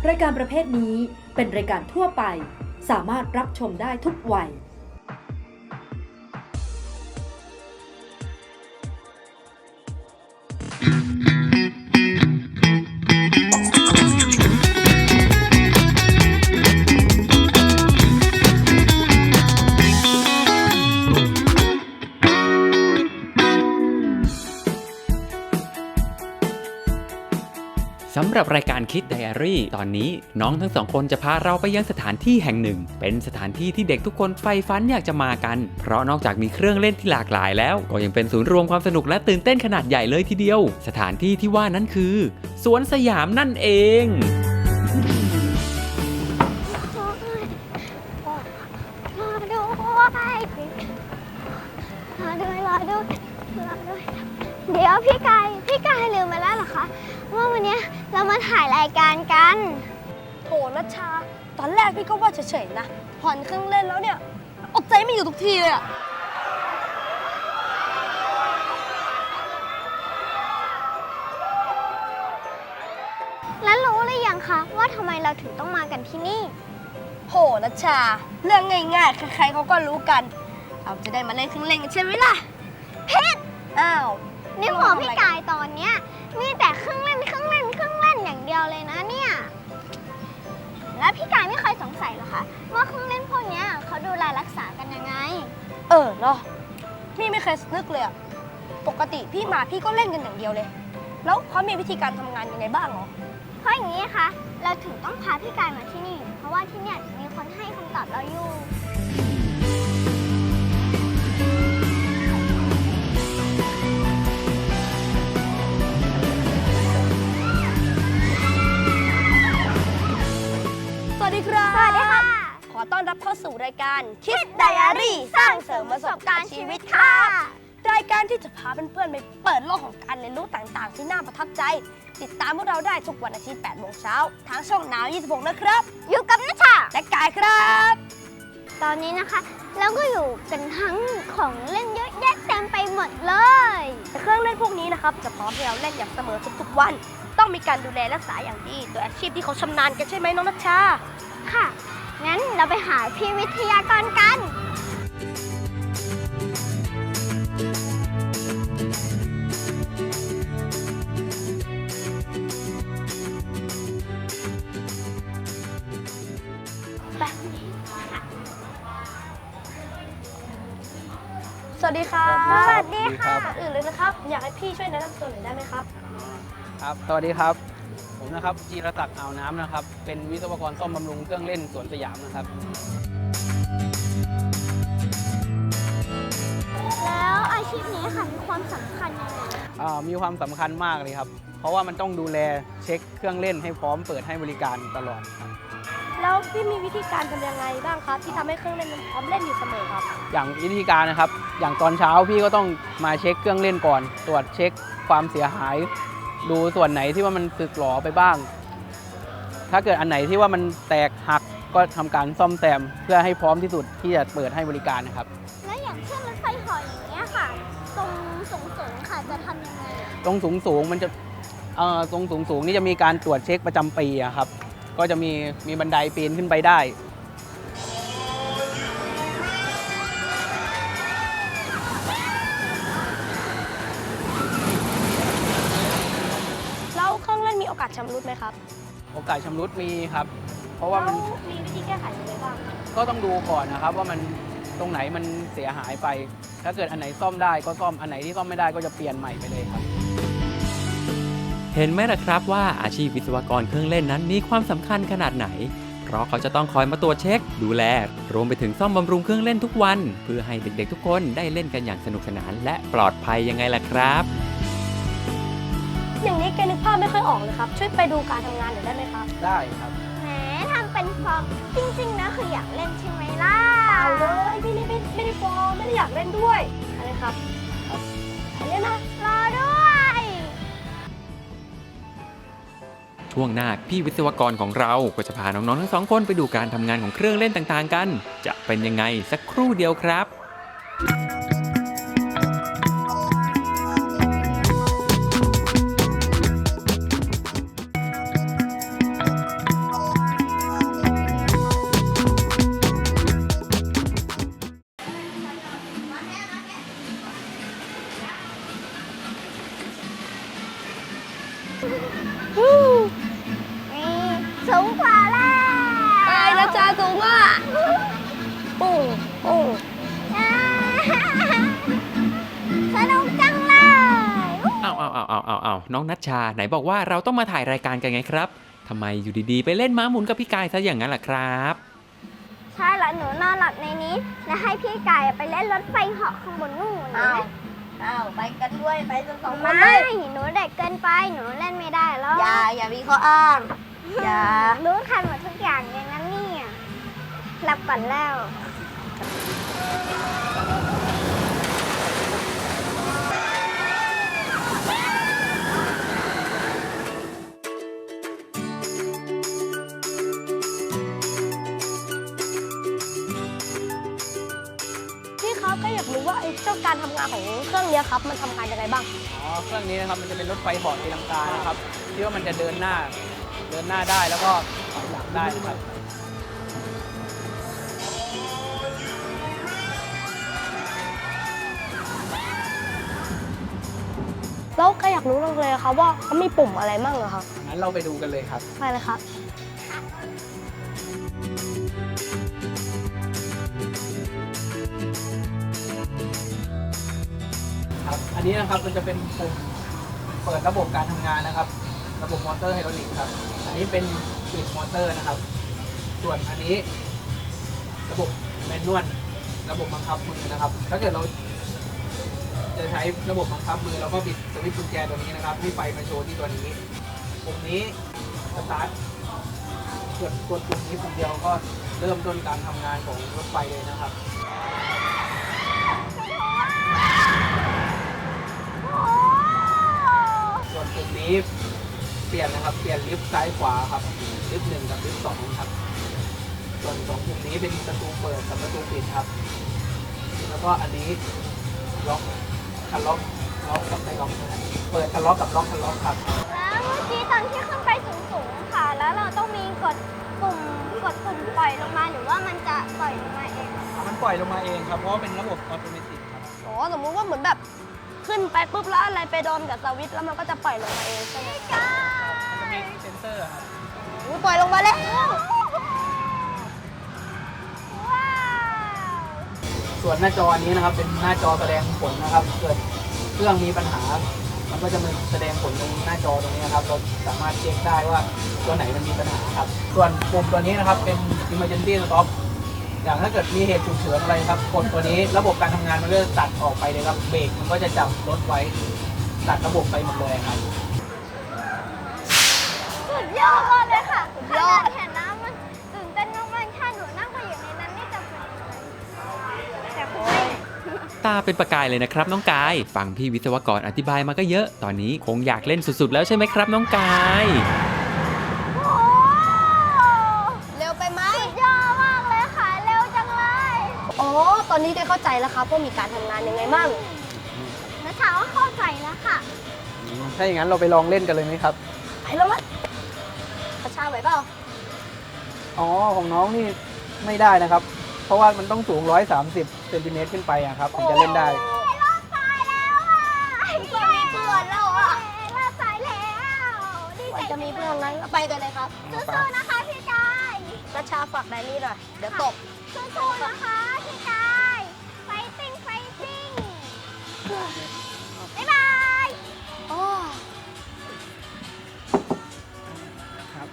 รายการประเภทนี้เป็นรายการทั่วไปสามารถรับชมได้ทุกวัยสำหรับรายการคิดไดอารี่ตอนนี้น้องทั้งสองคนจะพาเราไปยังสถานที่แห่งหนึ่งเป็นสถานที่ที่เด็กทุกคนใฝ่ฝันอยากจะมากันเพราะนอกจากมีเครื่องเล่นที่หลากหลายแล้วก็ยังเป็นศูนย์รวมความสนุกและตื่นเต้นขนาดใหญ่เลยทีเดียวสถานที่ที่ว่านั้นคือสวนสยามนั่นเองรอด้วยเดี๋ยวพี่กายลืมไปแล้วเหรอคะว่าวันนี้เรามาถ่ายรายการกันโถนัชชาตอนแรกพี่ก็ว่าเฉยๆนะผ่อนเครื่องเล่นแล้วเนี่ยอดใจไม่อยู่ทุกทีเลยอะแล้วรู้หรือยังคะว่าทำไมเราถึงต้องมากันที่นี่โหนัชชาเรื่องง่ายๆใครๆเขาก็รู้กันเราจะได้มาเล่นเครื่องเล่นกันใช่ไหมล่ะผิดอ้าวในหัวพี่กายตอนเนี้ยมีแต่เครื่องเล่นอย่างเดียวเลยนะเนี่ยแล้วพี่กายไม่เคยสงสัยหรอคะว่าเครื่องเล่นพวกนี้เขาดูแลรักษากันยังไงเนาะพี่ไม่เคยนึกเลยอะปกติพี่มาพี่ก็เล่นกันอย่างเดียวเลยแล้วเขามีวิธีการทำงานยังไงบ้างหรอเพราะอย่างนี้คะเราถึงต้องพาพี่กายมาที่นี่เพราะว่าที่เนี่ยมีคนให้คำตอบเราอยู่สวัสดีครับสวัสดีค่ะขอต้อนรับเข้าสู่รายการคิดไดอารี่สร้างเสริมประสบการณ์ชีวิตค่ะรายการที่จะพาเพื่อนๆไปเปิดโลกของการเรียนรู้ต่างๆที่น่าประทับใจติดตามพวกเราได้ทุกวันอาทิตย์ 8 โมงเช้าทางช่องNow 26 นะครับอยู่กับนัชชาและกายครับตอนนี้นะคะเราก็อยู่กันทั้งของเล่นเยอะแยะเต็มไปหมดเลยเครื่องเล่นพวกนี้นะครับจะพร้อมให้เราเล่นอย่างเสมอทุกๆวันต้องมีการดูแลรักษาอย่างดีโดยอาชีพที่เขาชำนาญกันใช่ไหมน้องนัชชาค่ะงั้นเราไปหาพี่วิทยากรกันสวัสดีครับสวัสดีค่ะก่อนอื่นเลยนะครับอยากให้พี่ช่วยแนะนำตัวหน่อยได้ไหมครับครับสวัสดีครับผมนะครับจีรศักดิ์อ่าวน้ำนะครับเป็นวิศวกรซ่อมบำรุงเครื่องเล่นสวนสยามนะครับแล้วอาชีพนี้ค่ะมีความสำคัญยังไงมีความสำคัญมากเลยครับเพราะว่ามันต้องดูแลเช็คเครื่องเล่นให้พร้อมเปิดให้บริการตลอดครับแล้วพี่มีวิธีการทำยังไงบ้างครับที่ทำให้เครื่องเล่นมันพร้อมเล่นอยู่เสมอครับอย่างวิธีการนะครับอย่างตอนเช้าพี่ก็ต้องมาเช็คเครื่องเล่นก่อนตรวจเช็คความเสียหายดูส่วนไหนที่ว่ามันสึกหรอไปบ้างถ้าเกิดอันไหนที่ว่ามันแตกหักก็ทำการซ่อมแซมเพื่อให้พร้อมที่สุดที่จะเปิดให้บริการนะครับแล้วอย่างเช่นรถไฟเหาะอย่างเงี้ยค่ะตรงสูงค่ะจะทำยังไงตรงสูงมันจะตรงสูงนี่จะมีการตรวจเช็คประจำปีครับก็จะมีบันไดปีนขึ้นไปได้แล้วเครื่องเล่นมีโอกาสชำรุดไหมครับโอกาสชำรุดมีครับเพราะว่ามันมีวิธีแก้ไขยังไงบ้างก็ต้องดูก่อนนะครับว่ามันตรงไหนมันเสียหายไปถ้าเกิดอันไหนซ่อมได้ก็ซ่อมอันไหนที่ซ่อมไม่ได้ก็จะเปลี่ยนใหม่ไปเลยครับเห็นไหมล่ะครับว่าอาชีพวิศวกรเครื่องเล่นนั้นมีความสำคัญขนาดไหนเพราะเขาจะต้องคอยมาตรวจเช็คดูแลรวมไปถึงซ่อมบำรุงเครื่องเล่นทุกวันเพื่อให้เด็กๆทุกคนได้เล่นกันอย่างสนุกสนานและปลอดภัยยังไงล่ะครับอย่างนี้แกนึกภาพไม่ค่อยออกเลยครับช่วยไปดูการทำงานหน่อยได้ไหมครับได้ครับแหมทำเป็นฟอร์มจริงๆนะคืออยากเล่นใช่ไหมล่ะเอาเลยพี่ไม่ได้ฟอร์มไม่ได้อยากเล่นด้วยอะไรครับอันนี้นะรอด้วยช่วงหน้าพี่วิศวกรของเราก็จะพาน้องๆทั้งสองคนไปดูการทำงานของเครื่องเล่นต่างๆกันจะเป็นยังไงสักครู่เดียวครับนี่สูงกว่าแล้วไอ้นัชชาสูงอ่ะปุ้งปุ้งสนุกจังเลยเอาน้องนัชชาไหนบอกว่าเราต้องมาถ่ายรายการกันไงครับทำไมอยู่ดีๆไปเล่นม้าหมุนกับพี่กายซะอย่างนั้นล่ะครับใช่แล้วหนูนอนหลับในนี้ แล้วให้พี่ไก่ไปเล่นรถไฟเหาะข้างบนนู่นอ้าวไปกันด้วยไปกันสองคนไม่เลยหนูเด็กเกินไปหนูเล่นไม่ได้แล้วอย่ามีข้ออ้างอย่ารู้ทันหมดทุกอย่างอย่างนั้นเนี่ยหลับก่อนแล้วพี่ครับก็อยากรู้ว่าไอ้เจ้าการทำงานของเครื่องเนี้ยครับมันทำงานยังไงบ้างอ๋อเครื่องนี้นะครับมันจะเป็นรถไฟเหาะตีลังกานะครับที่ว่ามันจะเดินหน้าได้แล้วก็ถอยหลังได้นะครับแล้วก็อยากรู้เลยครับว่าเขามีปุ่มอะไรบ้างเหรอครับงั้นเราไปดูกันเลยครับไปเลยครับครับอันนี้นะครับมันจะเป็นปุ่มเปิดระบบการทำงานนะครับ ระบบมอเตอร์ไฮดรอลิกครับอันนี้เป็นปิดมอเตอร์นะครับ ส่วนอันนี้ระบบแมนนวลระบบบังคับมือนะครับ ถ้าเกิดเราจะใช้ระบบบังคับมือเราก็บิดสวิตช์กุญแจตัวนี้นะครับให้ไฟมาโชว์ที่ตัวนี้ปุ่มนี้สตาร์ทกดปุ่มนี้ปุ่มเดียวก็เริ่มต้นการทำงานของรถไฟเลยนะครับ ส่วนปุ่มนี้เปลี่ยนนะครับเปลี่ยนลิฟต์ซ้ายขวาครับลิฟต์1กับลิฟต์2ครับส่วน2ปุ่มนี้เป็นประตูเปิดกับประตูปิดครับแล้วก็อันนี้ล็อกคันล็อกกับไม่ล็อกนะครับเปิดคันล็อกกับล็อกคันล็อกครับแล้วเมื่อกี้ตอนที่ขึ้นไปสูงๆค่ะ แล้วเราต้องมีกดปุ่มปล่อยลงมาหรือว่ามันจะปล่อยลงมาเองมันปล่อยลงมาเองครับเพราะว่าเป็นระบบออโตเมติกครับอ๋อสมมุติว่าเหมือนแบบขึ้นไปปุ๊บแล้วอะไรไปโดนกับสวิตช์แล้วมันก็จะปล่อยลงมาเองใช่ไหมมันจะมีเซนเซอร์ครับอุ๊ยปล่อยลงมาแล้วว้าวส่วนหน้าจอนี้นะครับเป็นหน้าจอแสดงผลนะครับ เกิดเครื่องมีปัญหา มันก็จะมาแสดงผลตรงหน้าจอตรงนี้นะครับ เราสามารถเช็คได้ว่าตัวไหนมันมีปัญหาครับ ส่วนปุ่มตัวนี้นะครับเป็น emergency stop อย่างถ้าเกิดมีเหตุฉุกเฉินอะไรครับกดตัวนี้ระบบการทำงานมันก็จะตัดออกไปเลยครับเบรกมันก็จะจับรถไว้ตัดระบบไปหมดเลยครับสุดยอดมากเลยค่ะขนาดเห็นน้ำมันตื่นเต้นมากๆถ้าหนูนั่งไปอยู่ในนั้นนี่จะเป็นยังไงแต่คุณไม่ตาเป็นประกายเลยนะครับน้องกายฟังพี่วิศวกรอธิบายมาก็เยอะ ตอนนี้คงอยากเล่นสุดๆแล้วใช่ไหมครับน้องกายโอ้เร็วไปไหมสุดยอดมากเลยค่ะ เร็วจังเลยอ๋อตอนนี้ได้เข้าใจแล้วครับว่ามีการทำงานยังไงบ้างนัชชาก็เข้าใจแล้วค่ะถ้าอย่างนั้นเราไปลองเล่นกันเลยไหมครับไปแล้วมั้ยกระชากไหวเปล่าอ๋อของน้องนี่ไม่ได้นะครับ เพราะว่ามันต้องสูง130เซนติเมตรขึ้นไปอะครับถึงจะเล่นได้รอบตายแล้วอ่ะก็มีเพื่อนแล้วอ่ะรอบตายแล้วดีใจจะมีเพื่อนนั้นก็ไปกันเลยครับสู้ๆนะคะพี่กายกระชาฝากไดรี่หน่อยเดี๋ยวตกสู้ๆนะคะพี่กายไฟติ้งบ๊ายบายโอ้ครับ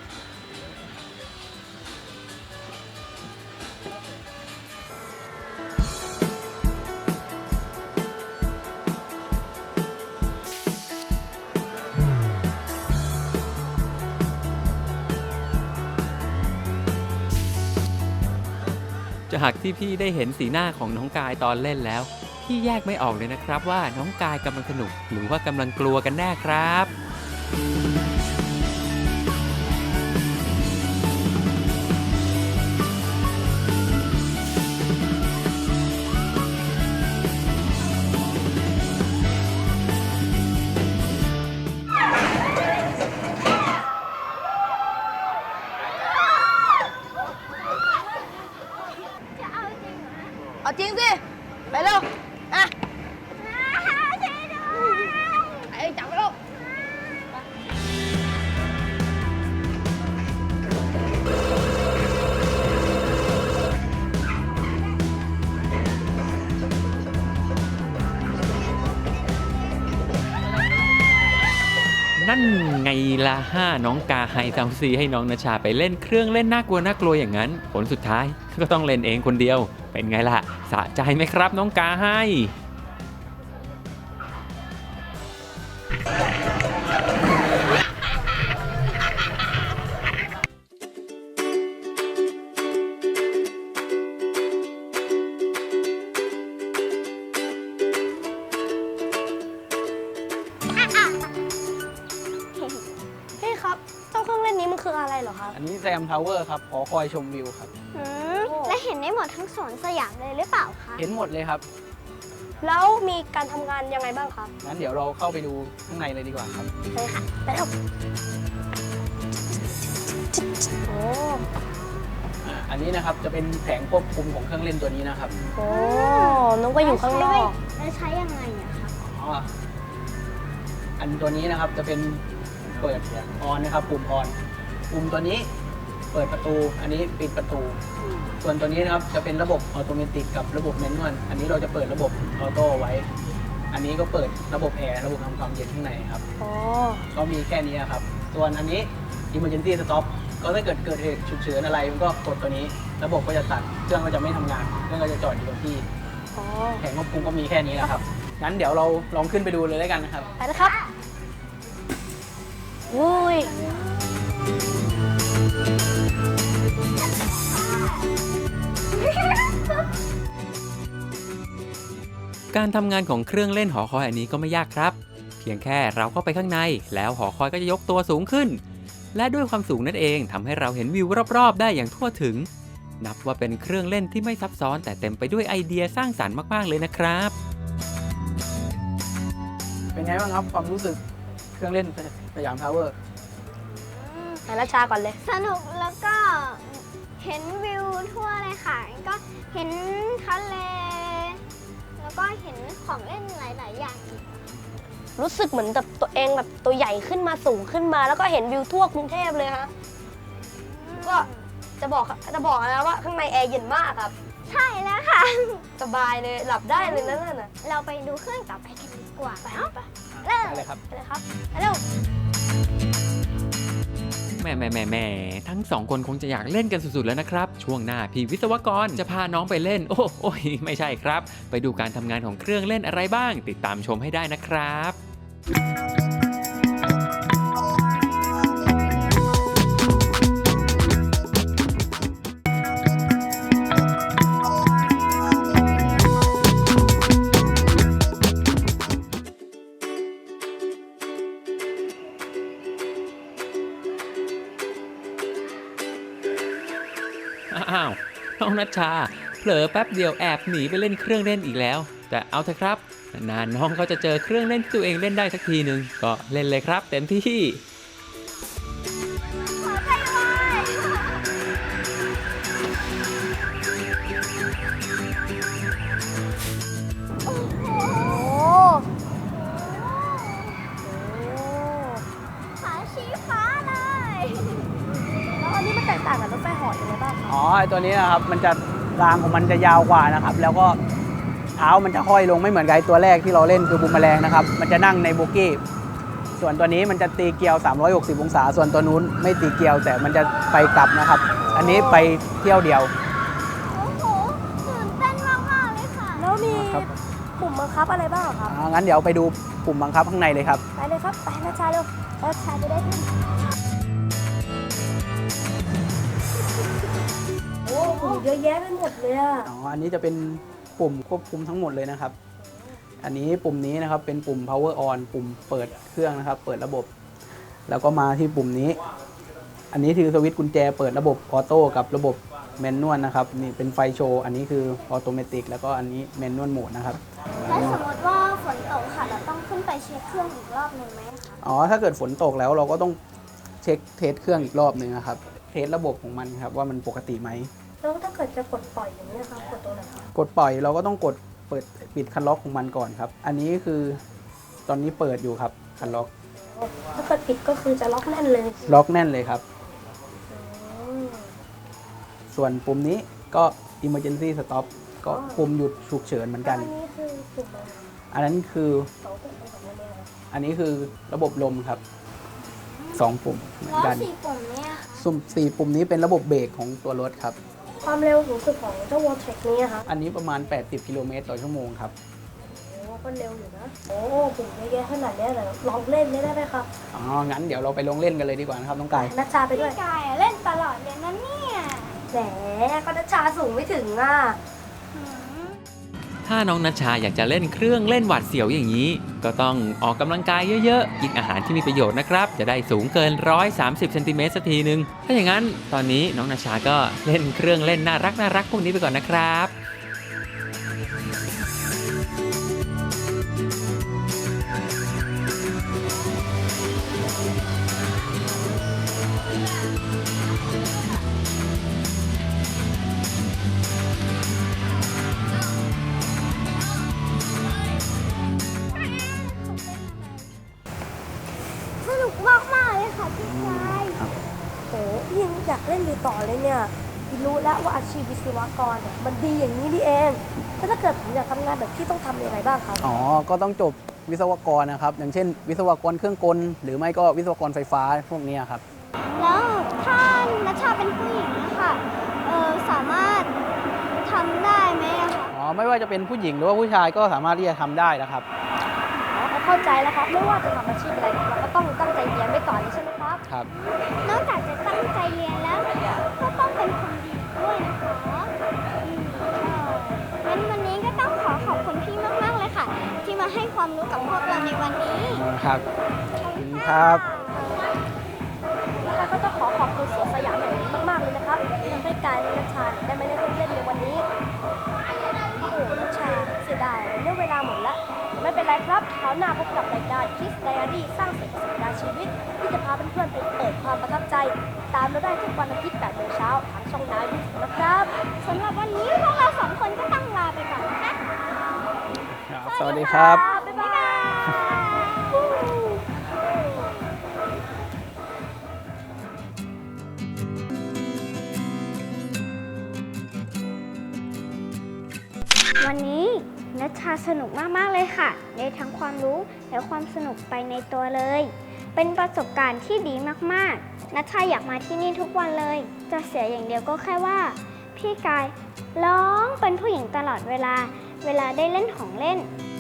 จากที่พี่ได้เห็นสีหน้าของน้องกายตอนเล่นแล้ว พี่แยกไม่ออกเลยนะครับว่าน้องกายกำลังสนุก หรือว่ากำลังกลัวกันแน่ครับจะเอาจริงเหรอเอาจริงสิ ไปเร็ว อ่ะช่วยด้วยไอ้จับไปเร็วนั่นไงล่ะน้องกาไฮเซาซีให้น้องนชาไปเล่นเครื่องเล่นน่ากลัวอย่างนั้นผลสุดท้ายก็ต้องเล่นเองคนเดียวเป็นไงล่ะสะใจไหมครับน้องกาไฮพี่ครับเจ้าเครื่องเล่นนี้มันคืออะไรเหรอครับอันนี้แซมทาวเวอร์ครับหอคอยชมวิวครับและเห็นได้หมดทั้งสวนสยามเลยหรือเปล่าคะเห็นหมดเลยครับแล้วมีการทำงานยังไงบ้างครับงั้นเดี๋ยวเราเข้าไปดูข้างในเลยดีกว่าครับเลยค่ะไปเถอะโอ้อันนี้นะครับจะเป็นแผงควบคุมของเครื่องเล่นตัวนี้นะครับโหน้องก็อยู่ข้างนอกแล้วใช้ยังไงอะคะอ๋ออันตัวนี้นะครับจะเป็นเปิดออนนะครับปุ่มออนปุ่มตัวนี้เปิดประตูอันนี้ปิดประตู ส่วนตัวนี้นะครับจะเป็นระบบออโตเมติกกับระบบแมนนวลอันนี้เราจะเปิดระบบออโต้ไว้ อันนี้ก็เปิดระบบแอร์ระบบทำความเย็นข้างในครับอ๋อก็มีแค่นี้ครับ ส่วนอันนี้ Emergency Stop ก็ถ้าเกิดเหตุฉุกเฉินอะไรมันก็กดตัวนี้ ระบบก็จะตัดเครื่องก็จะไม่ทำงานเครื่องก็จะจอดอยู่กับที่อ๋อแผงควบคุมก็มีแค่นี้นะครับงั้นเดี๋ยวเราลองขึ้นไปดูเลยแล้วกันนะครับไปนะครับอุ้ยการทำงานของเครื่องเล่นหอคอยอันนี้ก็ไม่ยากครับ เพียงแค่เราเข้าไปข้างในแล้วหอคอยก็จะยกตัวสูงขึ้น และด้วยความสูงนั่นเองทำให้เราเห็นวิวรอบๆได้อย่างทั่วถึง นับว่าเป็นเครื่องเล่นที่ไม่ซับซ้อนแต่เต็มไปด้วยไอเดียสร้างสรรค์มากๆเลยนะครับเป็นไงบ้างครับความรู้สึกเครื่องเล่นสยามทาวเวอร์ไปนัชชาก่อนเลยสนุกแล้วก็เห็นวิวทั่วเลยค่ะ ก็เห็นทะเล แล้วก็เห็นของเล่นหลาย ๆ อย่างอีกรู้สึกเหมือนแบบตัวเองแบบตัวใหญ่ขึ้นมาสูงขึ้นมา แล้วก็เห็นวิวทั่วกรุงเทพเลยฮะก็จะบอกนะว่าข้างในแอร์เย็นมากครับใช่แล้วค่ะสบายเลยหลับได้เลยนั่นน่ะเราไปดูเครื่องต่อไปกันดีกว่าไปเนาะไปเริ่มได้เลยครับไปเลยครับไปเร็วแหม่ทั้งสองคนคงจะอยากเล่นกันสุดๆแล้วนะครับ ช่วงหน้าพี่วิศวกรจะพาน้องไปเล่น โอ้ยไม่ใช่ครับ ไปดูการทำงานของเครื่องเล่นอะไรบ้าง ติดตามชมให้ได้นะครับ อ้าวน้องนัชชาเผลอแป๊บเดียวแอบหนีไปเล่นเครื่องเล่นอีกแล้ว แต่เอาเถอะครับนานๆน้องเขาจะเจอเครื่องเล่นที่ตัวเองเล่นได้สักทีหนึ่งก็เล่นเลยครับเต็มที่ขอใจไว้โอ้โห ขาชี้ฟ้าเลยแล้วอันนี้มันแตกต่างกับรถไฟเหาะยังไงบ้างคะอ๋อไอตัวนี้นะครับมันจะรางของมันจะยาวกว่านะครับ แล้วก็เท้ามันจะห้อยลงไม่เหมือนกับไอ้ตัวแรกที่เราเล่นคือบูมแมลงนะครับมันจะนั่งในโบกี้ ส่วนตัวนี้มันจะตีเกลียว 360 องศา ส่วนตัวนู้นไม่ตีเกลียวแต่มันจะไปกลับนะครับ อันนี้ไปเที่ยวเดียวโอ้โหตื่นเต้นมากๆเลยค่ะแล้วมีครับปุ่มบังคับอะไรบ้างอะครับงั้นเดี๋ยวไปดูปุ่มบังคับข้างในเลยครับไปเลยครับ ไปนัชชาเร็วนัชชาจะได้ขึ้นโอ้โหเยอะแยะไปหมดเลยอะอ๋อ อันนี้จะเป็นปุ่มควบคุมทั้งหมดเลยนะครับ อันนี้ปุ่มนี้นะครับเป็นปุ่ม power on ปุ่มเปิดเครื่องนะครับ เปิดระบบ แล้วก็มาที่ปุ่มนี้ อันนี้คือสวิตช์กุญแจเปิดระบบออโต้กับระบบแมนนวลนะครับ นี่เป็นไฟโชว์ อันนี้คือออโตเมติกแล้วก็อันนี้แมนนวลโหมดนะครับแล้วสมมติว่าฝนตกค่ะ เราต้องขึ้นไปเช็คเครื่องอีกรอบหนึ่งไหมคะอ๋อ ถ้าเกิดฝนตกแล้วเราก็ต้องเช็คเทสเครื่องอีกรอบหนึ่งนะครับ เทสระบบของมันครับว่ามันปกติไหมแล้วถ้าเกิดจะกดปล่อยอย่างนี้ยครับกดตัวไหนครับกดปล่อยเราก็ต้องกดเปิดปิดคันล็อกของมันก่อนครับ อันนี้คือตอนนี้เปิดอยู่ครับคันล็อกถ้าเกิดปิดก็คือจะล็อกแน่นเลยล็อกแน่นเลยครับอืมส่วนปุ่มนี้ก็ emergency stop ก็ปุ่มหยุดฉุกเฉินเหมือนกันอันนี้คือปุ่มอะไรอันนั้นคือสองปุ่มเป็นแบบนี้เลยอันนี้คือระบบลมครับอ 2 ปุ่มเหมือนแล้วกัน 4 ปุ่มเนี่ยสุ่ม4 ปุ่มนี้เป็นระบบเบรกของตัวรถครับความเร็วสูงสุดของเจ้าวอลเทคนี้ครับอันนี้ประมาณ 80 กิโลเมตรต่อชั่วโมงครับโอ้ก็เร็วอยู่นะ โอ้ปุ่มเยอะแยะขนาดนี้แต่ลองเล่นได้ไหมครับอ๋อ งั้นเดี๋ยวเราไปลงเล่นกันเลยดีกว่านะครับน้องกายนัชชาไปด้วยพี่กายเล่นตลอดเลยนะเนี่ยแหมก็นัชชาสูงไม่ถึงอ่ะหืมถ้าน้องนัชชาอยากจะเล่นเครื่องเล่นหวาดเสียวอย่างนี้ ก็ต้องออกกำลังกายเยอะๆ กินอาหารที่มีประโยชน์นะครับ จะได้สูงเกิน 130 เซนติเมตรสักทีนึง ถ้าอย่างนั้นตอนนี้น้องนัชชาก็เล่นเครื่องเล่นน่ารักพวกนี้ไปก่อนนะครับสนุกมากๆเลยค่ะพี่กายโอ้พี่ยังอยากเล่นอยู่ต่อเลยเนี่ยพี่รู้แล้วว่าอาชีพวิศวกรเนี่ยมันดีอย่างนี้นี่เองแล้วถ้าเกิดผมอยากทำงานแบบพี่ต้องทำยังไงบ้างครับอ๋อ ก็ต้องจบวิศวกรนะครับ อย่างเช่น วิศวกรเครื่องกล หรือไม่ก็วิศวกรไฟฟ้าพวกนี้ครับแล้วถ้านัชชาเป็นผู้หญิงนะคะสามารถทำได้ไหมอะคะอ๋อ ไม่ว่าจะเป็นผู้หญิงหรือว่าผู้ชายก็สามารถที่จะทำได้นะครับอ๋อเข้าใจแล้วครับ ไม่ว่าจะทำอาชีพอะไรเราก็ต้องตั้งใจเรียนไว้ก่อนใช่ไหมครับครับนอกจากจะตั้งใจเรียนแล้ว ก็ต้องเป็นคนดีด้วยนะคะงั้นวันนี้ก็ต้องขอบคุณพี่มากๆเลยค่ะ ที่มาให้ความรู้กับพวกเราในวันนี้ครับขอบคุณครับแล้วก็ต้องขอบคุณสวนสยามแห่งนี้มากๆเลยนะครับที่ทำให้กายและนัชชาได้มาเล่นเครื่องเล่นในวันนี้โอ้โหนัชชาเสียดายเรื่องเวลาหมดแล้วไม่เป็นไรครับคราวหน้าพบกับรายการ Kids Diary สร้างสรรค์ประสบการณ์ชีวิต ที่จะพาเพื่อนๆไปเปิดความประทับใจ ตามเราได้ทุกวันอาทิตย์8 โมงเช้าทางช่องนายวิทย์นะครับสำหรับวันนี้พวกเราสองคนก็ต้องลาไปก่อนนะคะสวัสดีครับบ๊ายบายวันนี้นัชชาสนุกมาก ๆ เลยค่ะ ได้ทั้งความรู้และความสนุกไปในตัวเลย เป็นประสบการณ์ที่ดีมาก ๆ นัชชาอยากมาที่นี่ทุกวันเลย จะเสียอย่างเดียวก็แค่ว่า พี่กายร้องเป็นผู้หญิงตลอดเวลาได้เล่นของเล่น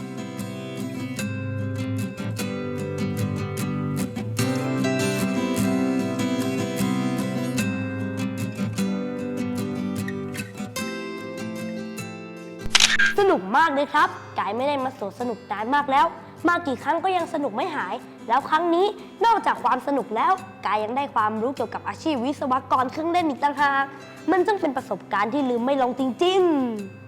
สนุกมากเลยครับกายไม่ได้มาสวนสนุกนานมากแล้ว มากี่ครั้งก็ยังสนุกไม่หาย แล้วครั้งนี้นอกจากความสนุกแล้วกายยังได้ความรู้เกี่ยวกับอาชีพวิศวกรเครื่องเล่นอีกต่างหากมันจึงเป็นประสบการณ์ที่ลืมไม่ลงจริง ๆ